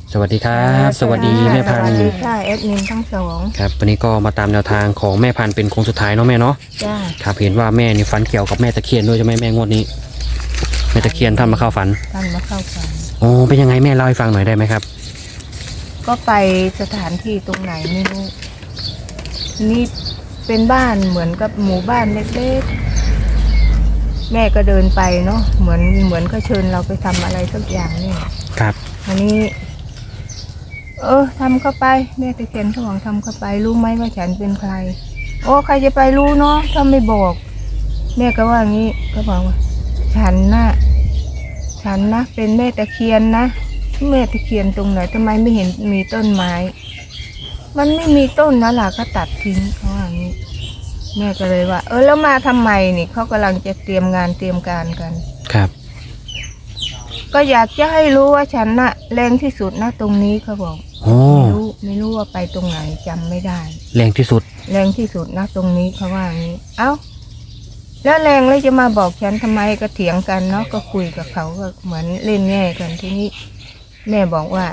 สวัสดีครับสวัสดีแม่พันสวัสธุ์ดีค่ะแอดมินทั้งสองครับวันนี้ก็มาตามแนวทางของแม่พันธุ์เป็นโค้งสุดท้ายเนาะแม่เนาะจ้าครับเห็นว่าแม่นี่ฝันเกี่ยวกับแม่ตะเคียนด้วยใช่ไหมแม่งวดนี้แม่ตะเคียนท่านมาเข้าฝันท่านมาเข้าฝันโอ้เป็นยังไงแม่เล่าให้ฟังหน่อยได้ไหมครับก็ไปสถานที่ตรงไหนไม่รู้นี่เป็นบ้านเหมือนกับหมู่บ้านเล็กๆแม่ก็เดินไปเนาะเหมือนเขาเชิญเราไปทำอะไรสักอย่างนี่ครับอันนี้ทำเข้าไปแม่ตะเคียนเขาบอกทำเข้าไปรู้ไหมว่าฉันเป็นใครโอ้ใครจะไปรู้เนาะถ้าไม่บอกแม่ก็ว่างี้ก็บอกว่าฉันนะเป็นแม่ตะเคียนนะแม่ตะเคียนตรงไหนทำไมไม่เห็นมีต้นไม้มันไม่มีต้นนะล่ะก็ตัดทิ้งเขาว่างี้แม่ก็เลยว่าแล้วมาทำไมนี่เขากำลังจะเตรียมงานเตรียมการกันครับก็อยากจะให้รู้ว่าฉันน่ะแรงที่สุดนะตรงนี้เขาบอกโอ้ไม่รู้ว่าไปตรงไหนจำไม่ได้แรงที่สุดแรงที่สุดนะตรงนี้เขาว่างี้เอ้าแล้วแรงแล้วจะมาบอกฉันทำไมก็เถียงกันเนาะก็คุยกับเขาก็เหมือนเล่นแง่กันทีนี้แม่บอกว่า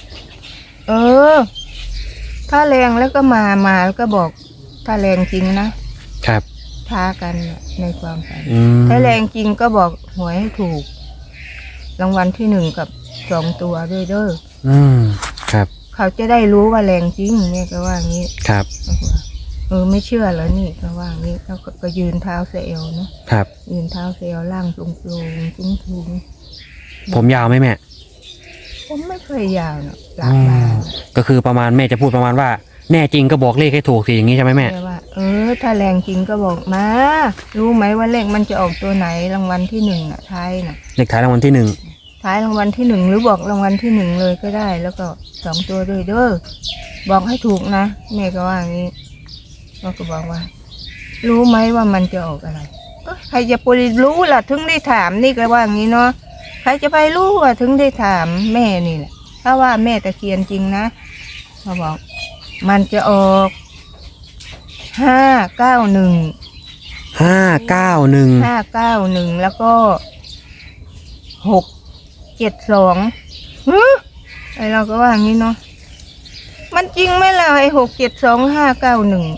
ถ้าแรงแล้วก็มาแล้วก็บอกถ้าแรงจริงนะครับ ท้ากันน่ะในความฝัน ถ้าแรงจริงก็บอกหวยให้ถูกรางวัลที่1กับ2ตัวด้วยเด้อครับเขาจะได้รู้ว่าแรงจริงแม่ก็ว่างี้ครับไม่เชื่อแล้วนี่ก็ว่างี้แล้วก็ยืนเท้าเซลเนาะครับยืนเท้าเซลล่างตรงทุงผมยาวไหมแม่ผมไม่เคยยาวเนาะหลักบานก็คือประมาณแม่จะพูดประมาณว่าแน่จริงก็บอกเลขให้ถูกสิอย่างนี้ใช่ไหมแม่แม่ว่าถ้าแรงจริงก็บอกมารู้ไหมว่าเลขมันจะออกตัวไหนรางวัลที่1น่ะท้ายน่ะเลขท้ายรางวัลที่ท้ายรางวัลที่1หรือบอกรางวัลที่1เลยก็ได้ แล้วก็2ตัวด้วยเด้อบอกให้ถูกนะแม่ก็ว่างี้ก็บอกว่า รู้ไหมว่ามันจะออกอะไรใครจะไปรู้ล่ะถึงได้ถามนี่ก็ว่างี้เนาะใครจะไปรู้อ่ะถึงได้ถามแม่นี่แหละถ้าว่าแม่ตะเคียนจริงนะเขาบอกมันจะออก591 591 แล้วก็672ไอเราก็ว่างี้เนาะมันจริงไหมล่ะไอ672 591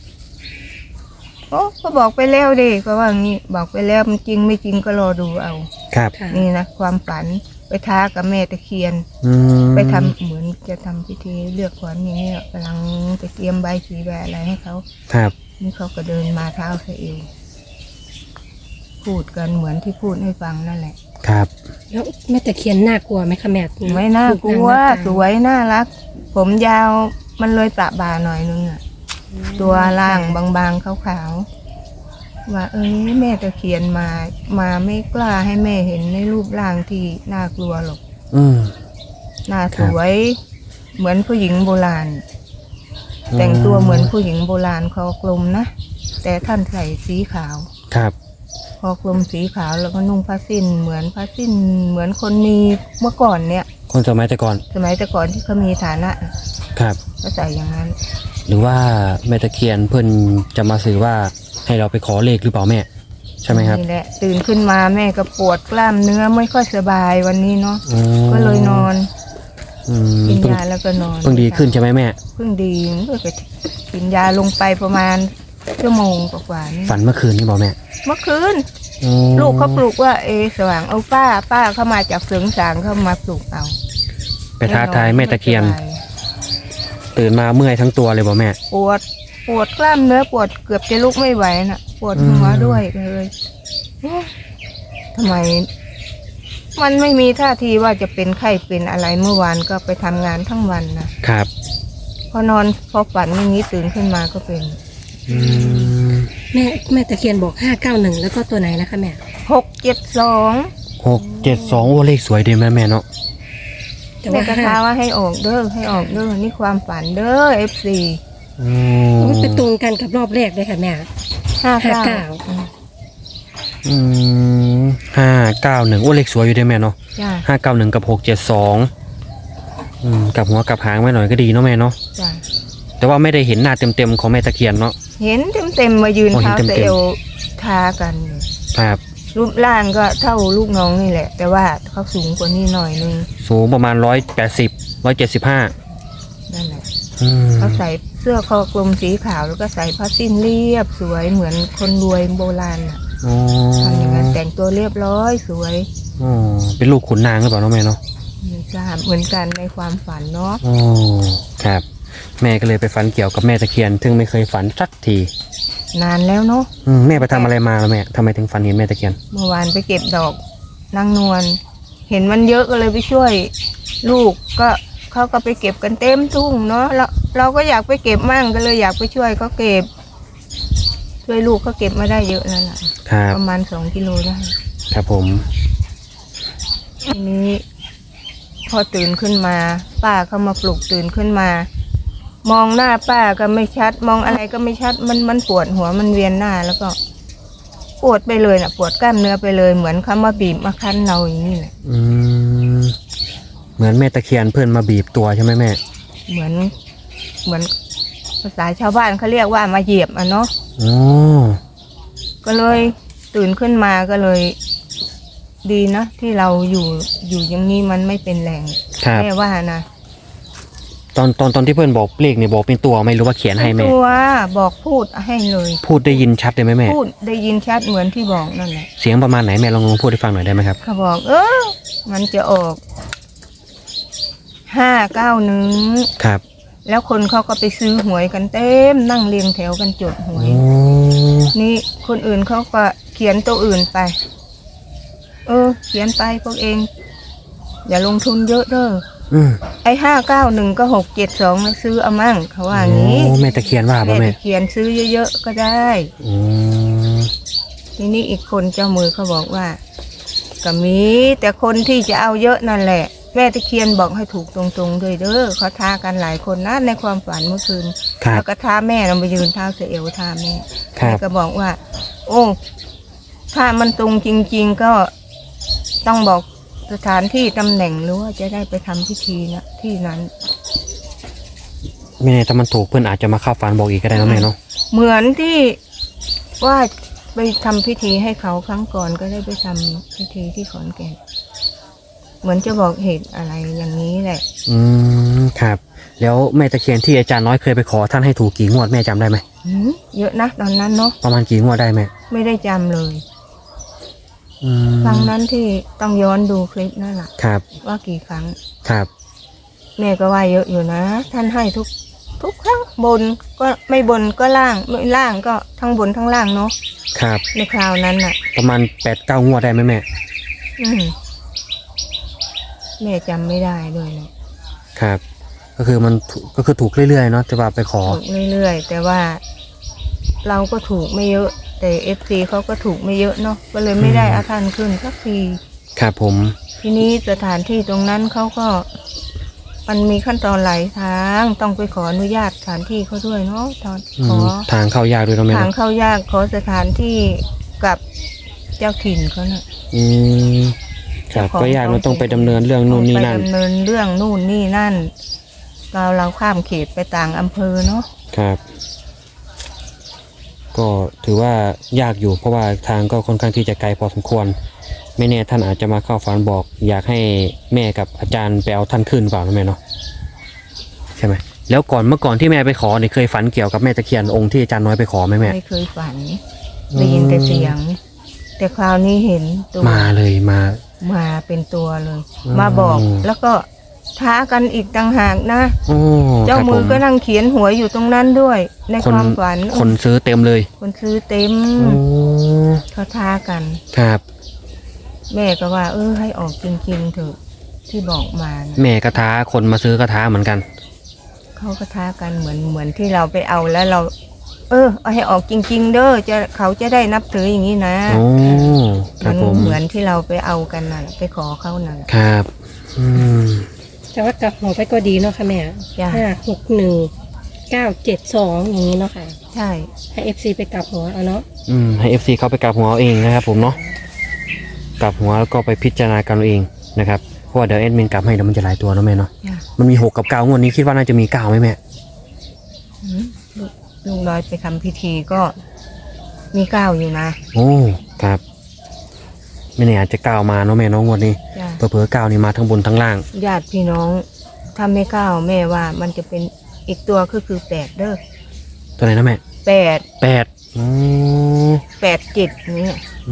ก็บอกไปแล้วดิก็ว่างี้บอกไปแล้วมันจริงไม่จริงก็รอดูเอาครับนี่นะความฝันไปท้ากับแม่ตะเคียน ไปทำเหมือนจะทำพิธีเลือกขวัญอย่างเงี้ยกำลังไปเตรียมใบสีใบอะไรให้เขาครับนี่เขาก็เดินมาเท้าเสียเอวพูดกันเหมือนที่พูดให้ฟังนั่นแหละครับแล้วแม่ตะเคียนน่ากลัวไหมคะแม่ไม่น่ากลัวสวยน่ารัก ผมยาวมันเลยประบาหน่อยนึงอ่ะ ตัวล่างบางๆขาวๆว่าแม่ตะเคียนมาไม่กล้าให้แม่เห็นในรูปร่างที่น่ากลัวหรอก หน้าสวยเหมือนผู้หญิงโบราณ แต่งตัวเหมือนผู้หญิงโบราณคอกลมนะแต่ท่านใส่สีขาวครับคอกลมสีขาวแล้วก็นุ่งผ้าสิ้นเหมือนคนมีเมื่อก่อนเนี่ยคนสมัยแต่ก่อนสมัยแต่ก่อนที่เขามีฐานะครับ ก็ใส่อย่างนั้นหรือว่าแม่ตะเคียนเพิ่นจะมาสื่อว่าให้เราไปขอเลขหรือเปล่าแม่ใช่ไหมครับนี่แหละตื่นขึ้นมาแม่ก็ปวดกล้ามเนื้อไม่ค่อยสบายวันนี้เนาะก็เลยนอนกินเพิ่งยาแล้วก็นอนเพิ่งดีขึ้นใช่ไหมแม่เพิ่งดีเมื่อกินยาลงไปประมาณชั่วโมงกว่าๆนี่ฝันเมื่อคืนนี่บอกแม่เมื่อคืนอืมลูกเขาปลูกว่าสว่างเอาป้าเข้ามาจากเสริงสางเข้ามาปลูกเอาไปท้าทายแม่ตะเคียน ตื่นมาเมื่อยทั้งตัวเลยบอกแม่ปวดกล้ามเนื้อปวดเกือบจะลุกไม่ไหวน่ะ ปวดหัวด้วยเลยทำไม มันไม่มีท่าทีว่าจะเป็นไข้เป็นอะไรเมื่อวานก็ไปทำงานทั้งวันนะครับ พอฝันอย่างนี้ตื่นขึ้นมาก็เป็นแม่ตะเคียนบอก591แล้วก็ตัวไหนนะคะแม่ 672 672โอ้เลขสวยดีแม่แม่เนาะแต่แม่ว่ากระทาว่าให้ออกเด้อนี่ความฝันเด้อ FC มันไปตรงกันกับรอบแรกเลยค่ะแม่ 59 591โอ้เลขสวยอยู่ด้วยแม่เนาะจ้า 591กับ672กลับหัวกลับหางไว้หน่อยก็ดีเนาะแม่เนาะจ้าแต่ว่าไม่ได้เห็นหน้าเต็มๆของแม่ตะเคียนเนาะเห็นเต็มมายืนอ๋อเห็นเท้าเต็มๆเซลทากันอยู่ครับรูปร่างก็เท่าลูกน้องนี่แหละ แต่ว่าเขาสูงกว่านี้หน่อยนึงสูงประมาณ180 175 นั่นแหละอืมเขาใส่เสื้อคอกลมสีขาวแล้วก็ใส่ผ้าสิ้นเรียบสวยเหมือนคนรวยโบราณอ่ะอ๋อทำอย่างนั้นแต่งตัวเรียบร้อยสวยอ๋อเป็นลูกขุนนางหรือเปล่าน้องแม่เนาะไม่ทราบเหมือนกันในความฝันเนาะอ๋อครับแม่ก็เลยไปฝันเกี่ยวกับแม่ตะเคียนซึ่งไม่เคยฝันสักทีนานแล้วเนาะแม่ไปทำอะไรมาแล้วแม่ทำไมถึงฝันเห็นแม่ตะเคียนเมื่อวานไปเก็บดอกนางนวลเห็นมันเยอะก็เลยไปช่วย ลูกก็เขาก็ไปเก็บกันเต็มทุ่งเนาะเราก็อยากไปเก็บมั่งก็เลยอยากไปช่วยเขาเก็บ ช่วยลูกเขาเก็บมาได้เยอะแล้วล่ะครับประมาณ2 กิโลได้ครับผมทีนี้พอตื่นขึ้นมา ป้าเขามาปลุกตื่นขึ้นมา มองหน้าป้าก็ไม่ชัด มองอะไรก็ไม่ชัดมันปวดหัวมันเวียนหน้าแล้วก็ปวดไปเลยน่ะ ปวดกล้ามเนื้อไปเลยเหมือนเขามาบีบมาคั้นเราอย่างนี้แหละอืมเหมือนแม่ตะเคียนเพื่อนมาบีบตัวใช่ไหมแม่เหมือนภาษาชาวบ้านเขาเรียกว่ามาเหยียบอ่ะเนาะอ๋อก็เลยตื่นขึ้นมาก็เลย ดีนะที่เราอยู่อย่างนี้มันไม่เป็นแรงครับแม่ว่านะตอนที่เพื่อนบอกเลขเนี่ยบอกเป็นตัวไม่รู้ว่าเขียนให้แม่ตัวบอกพูดให้เลยพูดได้ยินชัดเลยไหมแม่พูดได้ยินชัดเหมือนที่บอกนั่นแหละเสียงประมาณไหนแม่ลองพูดให้ฟังหน่อยได้ไหมครับเขาบอก มันจะออก591 ครับแล้วคนเขาก็ไปซื้อหวยกันเต็มนั่งเรียงแถวกันจดหวยอ๋อนี่คนอื่นเขาก็เขียนตัวอื่นไป เขียนไปพวกเอง อย่าลงทุนเยอะเด้ออืมไอ้591ก็672นะซื้อเอามั่งเขาว่างี้โอ้แม่ตะเคียนว่าป่ะแม่แม่ตะเขียนซื้อเยอะๆก็ได้อืมทีนี้อีกคนเจ้ามือเขาบอกว่าก็มีแต่คนที่จะเอาเยอะนั่นแหละ แม่ตะเคียนบอกให้ถูกตรงๆด้วยเด้อเขาท้ากันหลายคนนะในความฝันเมื่อคืนครับแล้วก็ท้าแม่เราไปยืนเท้าเสียเอวท้าแม่ครัแม่บก็บอกว่า โอ้ถ้ามันตรงจริง ๆก็ต้องบอกสถานที่ตำแหน่งหรือว่าจะได้ไปทำพิธีนะที่นั้นไม่แน่ถ้ามันถูกเพื่อนอาจจะมาเข้าฝันบอกอีกก็ได้นะแม่เนาะเหมือนที่ว่าไปทำพิธีให้เขาครั้งก่อนก็ได้ไปทำพิธีที่ขอนแก่นเหมือนจะบอกเหตุอะไรอย่างนี้แหละอืมครับ แล้วแม่ตะเคียนที่อาจารย์น้อยเคยไปขอท่านให้ถูกกี่งวดแม่จำได้ไหมเยอะนะตอนนั้นเนาะประมาณกี่งวดได้แม่ไม่ได้จำเลยอืมครั้งนั้นที่ต้องย้อนดูคลิปนั่นแหละครับว่ากี่ครั้งครับแม่ก็ว่าเยอะอยู่นะ ท่านให้ทุกครั้งบนก็ไม่บนก็ล่างไม่ล่างก็ทั้งบนทั้งล่างเนาะครับในคราวนั้นน่ะประมาณ8-9งวดได้ไหมแม่อืมแม่จำไม่ได้ด้วยเลยครับ ก็คือมันถูกก็คือถูกเรื่อยๆเนาะจะว่าไปขอถูกเรื่อยๆแต่ว่าเราก็ถูกไม่เยอะ แต่FCเขาก็ถูกไม่เยอะเนาะก็เลยไม่ได้อาท่านขึ้นสักทีครับผมทีนี้สถานที่ตรงนั้นเขาก็มันมีขั้นตอนหลายทางต้องไปขออนุญาตสถานที่เขาด้วยเนาะตอนอืขอมทางเข้ายากด้วยเนาะแม่ทางเนาะเข้ายากขอสถานที่กับเจ้าถิ่นเขาน่ะอืมครับเจ้าของก็ยากเราต้องไปดำเนินเรื่องนู่นนี่นั่นไปดำเนินเรื่องนู่นนี่นั่นเราข้ามเขตไปต่างอำเภอเนาะครับ ก็ถือว่ายากอยู่เพราะว่าทางก็ค่อนข้างที่จะไกลพอสมควร ไม่แน่ท่านอาจจะมาเข้าฝันบอก อยากให้แม่กับอาจารย์ไปเอาท่านขึ้นเปล่านะแม่เนาะใช่ไหมแล้วเมื่อก่อนที่แม่ไปขอเนี่ยเคยฝันเกี่ยวกับแม่ตะเคียนองค์ที่อาจารย์น้อยไปขอไหมแม่ไม่เคยฝันได้ยินแต่เสียง แต่คราวนี้เห็นตัวมาเลยมามาเป็นตัวเลยอืมมาบอกแล้วก็ท้ากันอีกต่างหากนะโอ้เจ้าครับมือก็นั่งเขียนหวยอยู่ตรงนั้นด้วย ในคนความฝันคนซื้อเต็มเลยคนซื้อเต็มโอ้เขาท้ากันครับแม่ก็ว่า ให้ออกจริงๆเถอะที่บอกมานะแม่กระท้าคนมาซื้อกระท้าเหมือนกันเขาก็ท้ากันเหมือนที่เราไปเอาแล้วเรา เอาให้ออกจริง ๆ เด้อเขาจะได้นับถืออย่างนี้นะโอ้ครับผมเหมือนที่เราไปเอากันน่ะไปขอเขาน่ะครับ อืมแต่ว่ากลับหัวไปก็ดีเนาะค่ะแม่จ้ะ 561-972อย่างนี้เนาะค่ะใช่ให้ FC ไปกลับหัวเอาเนาะให้ FC เขาไปกลับหัวเอาเองนะครับผมเนาะกลับหัวแล้วก็ไปพิจารณากันเอาเองนะครับเพราะว่าเดี๋ยวแอดมินกลับให้เดี๋ยวมันจะหลายตัวเนาะแม่เนาะจ้ะมันมี6กับ9งวดนี้คิดว่าน่าจะมี9ไหมแม่อืมลูกน้อยไปทำพิธีก็มีก้าวอยู่นะโอ้ครับไม่แน่อาจจะ9มาเนาะแม่เน้องงวดนี้จ้ะเผลอๆ9นี่มาทั้งบนทั้งล่างญาติพี่น้องถ้าไม่เก้าแม่ว่ามันจะเป็นอีกตัวก็คือแปดเด้อตัวไหนนะแม่แปด 8 8 7เนี่ย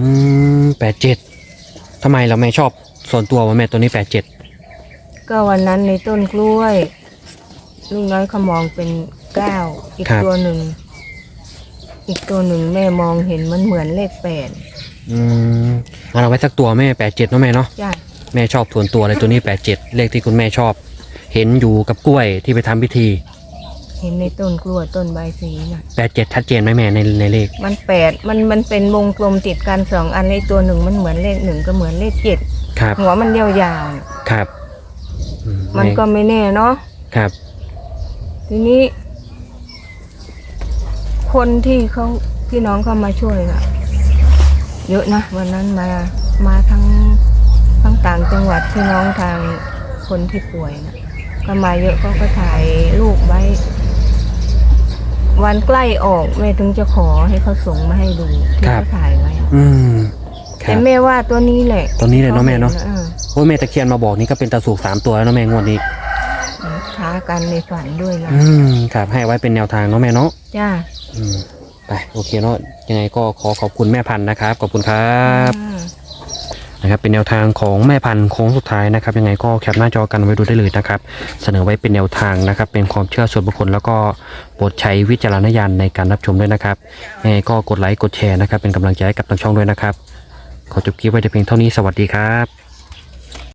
87ทำไมเราไม่ชอบส่วนตัวว่าแม่ตัวนี้87 ก็วันนั้นในต้นกล้วยลูกน้อยเขามองเป็นเก้าอีกตัวหนึ่งแม่มองเห็นมันเหมือนเลข8 เอาเราไว้สักตัวแม่87เนาะแม่เนาะจ้ะแม่ชอบส่วนตัวเลยตัวนี้87เลขที่คุณแม่ชอบ เห็นอยู่กับกล้วยที่ไปทำพิธีเห็นในต้นกล้วยต้นใบสีน่ะ 87ชัดเจนไหมแม่ในเลขมัน8มันเป็นวงกลมติดกัน2อันในตัวหนึ่งมันเหมือนเลข1ก็เหมือนเลข7 ครับหัวมันยาวครับๆมันก็ไม่แน่เนาะครับทีนี้ คนที่พี่น้องเขามาช่วยน่ะเยอะนะวันนั้นมาทั้งต่างจังหวัดพี่น้องทางคนที่ป่วยนะก็มาเยอะก็ถ่ายรูปไว้ วันใกล้ออกแม่ถึงจะขอให้เขาส่งมาให้ดูที่เขาถ่ายไว้แต่แม่ว่าตัวนี้แหละตัวนี้เลยเนาะแม่เนาะโอ้ยแม่ตะเคียนมาบอกนี่ก็เป็นตาสูก3ตัวแล้วเนาะแม่งวดนี้ท้ากันในฝันด้วยนะครับให้ไว้เป็นแนวทางเนาะแม่เนาะจ้าไปโอเคเนาะยังไงก็ขอบคุณแม่พันธุ์นะครับขอบคุณครับนะครับเป็นแนวทางของแม่พันธุ์โค้งสุดท้ายนะครับยังไงก็แคปหน้าจอกันไว้ดูได้เลยนะครับเสนอไว้เป็นแนวทางนะครับเป็นความเชื่อส่วนบุคคลแล้วก็โปรดใช้วิจารณญาณในการรับชมด้วยนะครับยังไงก็กดไลค์กดแชร์นะครับเป็นกำลังใจให้กับทางช่องด้วยนะครับขอจบคลิปไว้แต่เพียงเท่านี้สวัสดีครับ